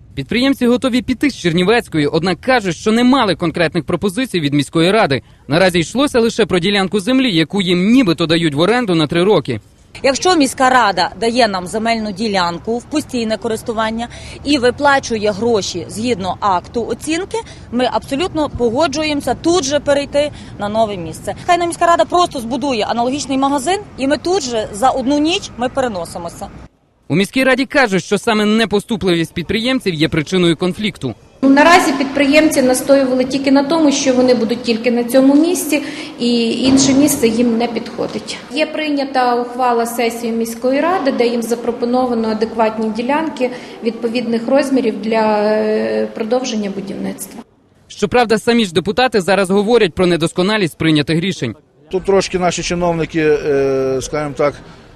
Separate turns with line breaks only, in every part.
Підприємці готові піти з Чернівецької, однак кажуть, що не мали конкретних пропозицій від міської ради. Наразі йшлося лише про ділянку землі, яку їм нібито дають в оренду на 3 роки.
Якщо міська рада дає нам земельну ділянку в постійне користування і виплачує гроші згідно акту оцінки, ми абсолютно погоджуємося тут же перейти на нове місце. Хай нам міська рада просто збудує аналогічний магазин, і ми тут же за одну ніч ми переносимося.
У міській раді кажуть, що саме непоступливість підприємців є причиною конфлікту.
Наразі підприємці настоювали тільки на тому, що вони будуть тільки на цьому місці, і інше місце їм не підходить. Є прийнята ухвала сесії міської ради, де їм запропоновано адекватні ділянки відповідних розмірів для продовження будівництва.
Щоправда, самі ж депутати зараз говорять про недосконалість прийнятих рішень.
Тут трошки наші чиновники, скажімо так,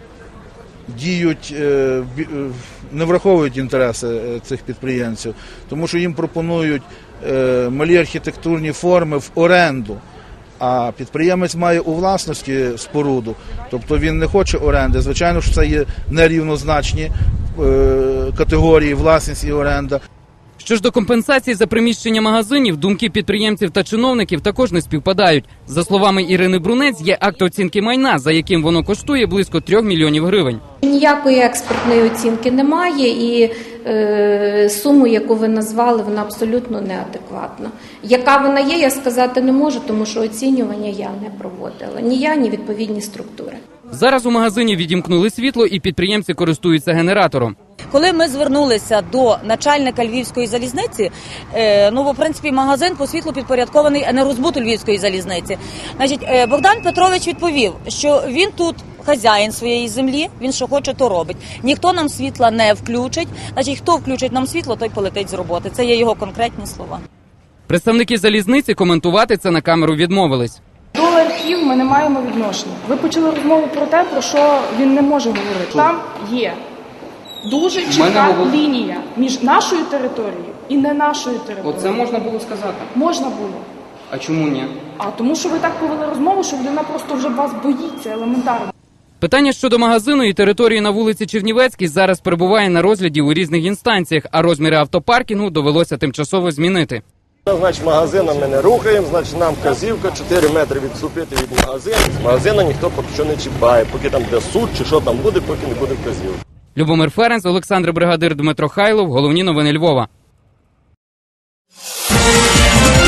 діють, не враховують інтереси цих підприємців, тому що їм пропонують малі архітектурні форми в оренду, а підприємець має у власності споруду, тобто він не хоче оренди. Звичайно, що це є нерівнозначні категорії власність і оренда.
Що ж до компенсації за приміщення магазинів, думки підприємців та чиновників також не співпадають. За словами Ірини Брунець, є акт оцінки майна, за яким воно коштує близько 3 мільйонів гривень.
Ніякої експертної оцінки немає, і суму, яку ви назвали, вона абсолютно неадекватна. Яка вона є, я сказати не можу, тому що оцінювання я не проводила. Ні я, ні відповідні структури.
Зараз у магазині відімкнули світло і підприємці користуються генератором.
Коли ми звернулися до начальника Львівської залізниці, в принципі, магазин по світлу підпорядкований енергозбуту Львівської залізниці. Богдан Петрович відповів, що він тут хазяїн своєї землі, він що хоче, то робить. Ніхто нам світла не включить, хто включить нам світло, той полетить з роботи. Це є його конкретні слова.
Представники залізниці коментувати це на камеру відмовились.
До архів ми не маємо відношення. Ви почали розмову про те, про що він не може говорити. Там є дуже чітка лінія між нашою територією і не нашою територією.
Оце можна було сказати?
Можна було.
А чому ні?
А тому, що ви так повели розмову, що людина просто вже вас боїться елементарно.
Питання щодо магазину і території на вулиці Чернівецькій зараз перебуває на розгляді у різних інстанціях, а розміри автопаркінгу довелося тимчасово змінити.
Значить, магазина ми не рухаємо, значить, нам вказівка 4 метри відступити від магазину. З магазина ніхто поки що не чіпає, поки там буде суд чи що там буде, поки не буде вказівки.
Любомир Ференц, Олександр Бригадир, Дмитро Хайлов. Головні новини Львова.